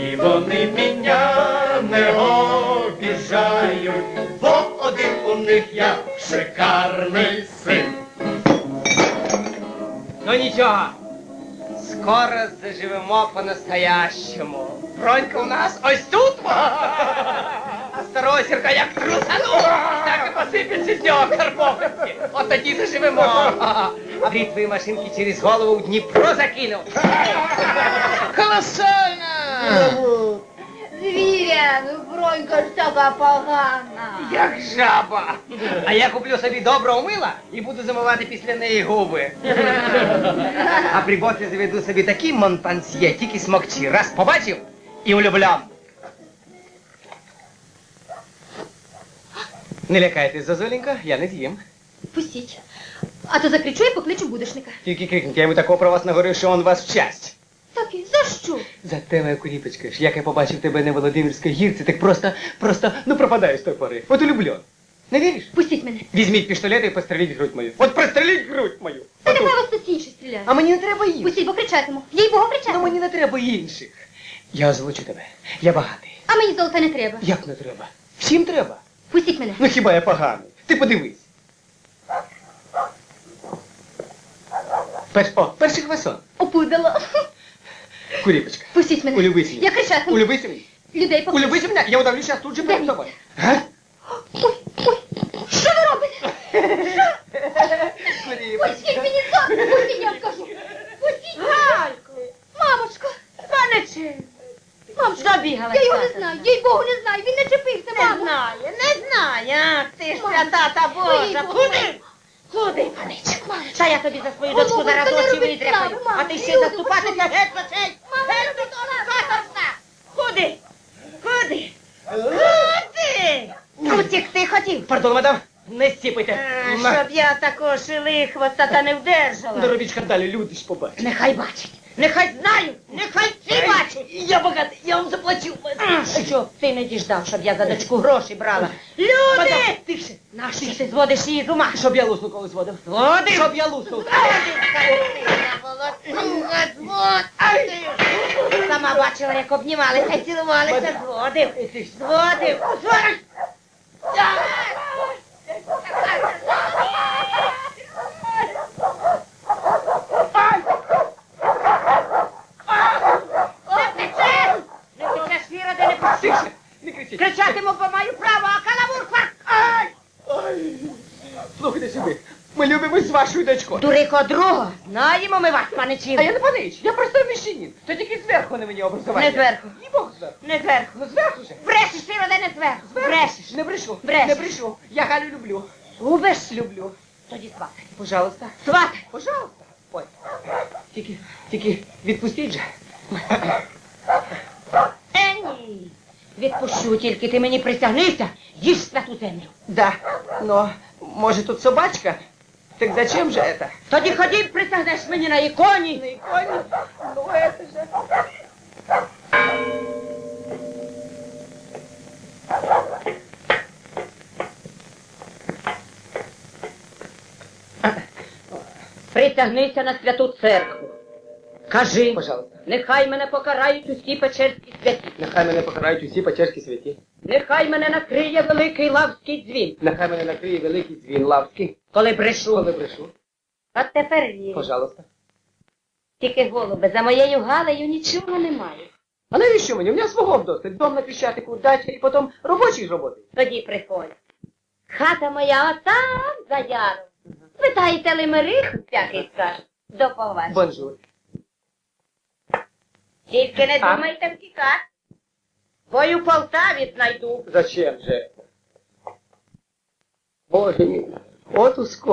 І вони мене не обіжають, бо один у них я шикарний син. Ну нічого, скоро заживемо по-настоящему. Бронька у нас ось тут, а старого Сірка як трусану, так і посипеться з нього карбованці. От тоді заживемо. А бритвої машинки через голову в Дніпро закинув. Колосально! Звіря, ну Бронька ж така погана. Як жаба. А я куплю собі доброго мила і буду замивати після неї губи. А при боці заведу собі такий монпансьє, тільки смокчі. Раз побачив і влюблям. Не лякайтесь, Зозуленька, я не з'їм. Пустіть. А то закричу і покличу будешника. Тільки крикніть, я йому такого про вас наговорив, що он вас вчасть. Так і за що? За те, моя куріпочка ж, як я побачив тебе на Володимирській гірці, так просто, пропадаю з тої пори. От улюблю. Не віриш? Пустіть мене. Візьміть пістолет і постреліть грудь мою. От простреліть грудь мою. Та Отут. нехай вас хтось інший стріляє. А мені не треба інших. Пустіть, бо кричатиму. Їй Богу Ну кричатиму. мені не треба інших. Я озвучу тебе. Я багатий. А мені золота не треба. Як не треба? Всім треба. Пустіть мене. Ну хіба я поганий? Ти подивись. Перший хвасон. Опудало. Куріпочка. Пустіть мене. Улюбись мені. Я кричатиму. Улюбись мені. Людей покличу. Улюбись мене. Я удавлю зараз тут же перед Дивіться. тобою. Га? Ой, ой. Що ви робите? Пустіть мені зонтик. Пустіть, я скажу. Пустіть. Галько, Мамочко. паничі, Мамочко. забігала. Я його не знаю. Їй Богу не знаю. Він не чепився, Не мамо. знає, ах ти ж Мамо. свята та Божа. Ой, Куди? Куди, паничку? Та я тобі за свою Мамо, дочку зараз та не очі робіть видряпаю. слави, мамо. А ти ще Люди, заступатися почули. геть за цей. Мамо, Геть не за робіть того слави. каторжна. Куди? Куди? Куди? Утікти хотів. Пардон, мадам. Не стіпайте. Щоб я такого шилихвоста та не вдержала. Не робіть скандалю, люди ж побачать. Нехай бачить. Нехай знають. Нехай всі бачать. Я багатий, я вам заплачу. Щоб ти не діждав, щоб я за дочку гроші брала. Мадам, Люди! тихше. Нащо ти зводиш її з ума? Щоб я луснув коли зводив. Зводив? Щоб я луснув. Сама бачила, як обнімалися, цілувалися, зводив. Зводив. Не течеш, Віра, де не пустиш. Тихше. Не кричіть. Кричатиму, бо маю право, а каламур фак. Ай. Слухайте сюди. Ми любимось з вашою дочкою. Дурико друга, знаємо ми вас, паничів. А я не панич, я просто міщанин. То тільки зверху на мені образування. Не зверху. Ні Бог зверху. Не зверху. Ну зверху же. Брешеш, Віра, де не зверху. Брешеш. Не брешу. Брешеш. Не брешу. Я Галю люблю. Губиш? Люблю. Тоді сватай. Пожалуйста. Сватай. Пожалуйста. Ой. Тільки відпустіть же. Ні. Відпущу, тільки ти мені присягнися, їж святу землю. Да. Но, може тут собачка? Так зачем же это? Тоді ходім, присягнеш мені на іконі. На иконе? Ну это же... Присягнися на святу церкву. Кажи, Пожалуйста. нехай мене покарають усі печерські святі. Нехай мене покарають усі печерські святі. Нехай мене накриє великий лавський дзвін. Нехай мене накриє великий дзвін лавський. Коли брешу. Коли брешу. От тепер вірю. Пожалуйста. Тільки, голубе, за моєю Галею нічого немає. А навіщо мені? У мене свого вдосталь. Дом на Крещатику, дача і потім робочий з роботи. Тоді приходь. Хата моя отам за яром. Питаєте лимерих, всякий скаже. До побачення. Бонжур. Тільки не А? думайте втікати. Бо й у Полтаві знайду. Зачем же? Боже мій. От ускоро.